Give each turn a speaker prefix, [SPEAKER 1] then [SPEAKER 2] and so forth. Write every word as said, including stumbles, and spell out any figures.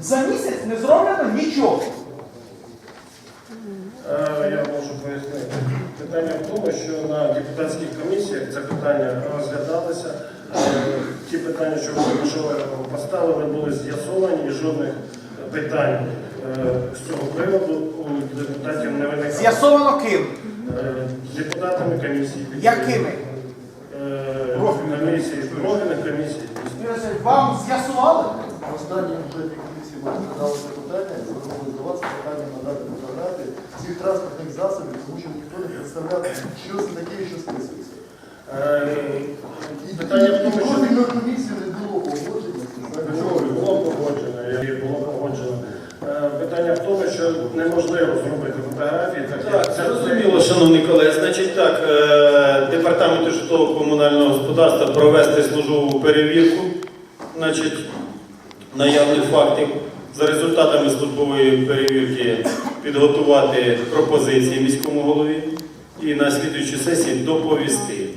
[SPEAKER 1] За місяць не зроблено нічого.
[SPEAKER 2] Я можу пояснити. Питання в тому, що на депутатських комісіях це питання розглядалося. Ті питання, що ви поставили, були з'ясовані і жодних питань з цього приводу у депутатів не виникало.
[SPEAKER 1] З'ясовано ким?
[SPEAKER 2] Депутатами комісії.
[SPEAKER 1] Якими?
[SPEAKER 2] Комісії, профільних комісій.
[SPEAKER 1] Вам з'ясували?
[SPEAKER 3] Останній бюджетній комісії ми розглядали це питання, звернули до вас питання надати фотографії цих транспортних засобів, тому що ніхто не представляв, що це таке і що списується.
[SPEAKER 2] І питання в тому, що
[SPEAKER 3] профільної комісії не було погодження.
[SPEAKER 2] було погоджено, було погоджено. Питання в тому, що неможливо зробити фотографії.
[SPEAKER 4] Так, це зрозуміло, шановні колеги. Значить так, департаменту житлово-комунального господарства провести службову перевірку, значить, наявних фактів. За результатами службової перевірки підготувати пропозиції міському голові і на слідуючій сесії доповісти.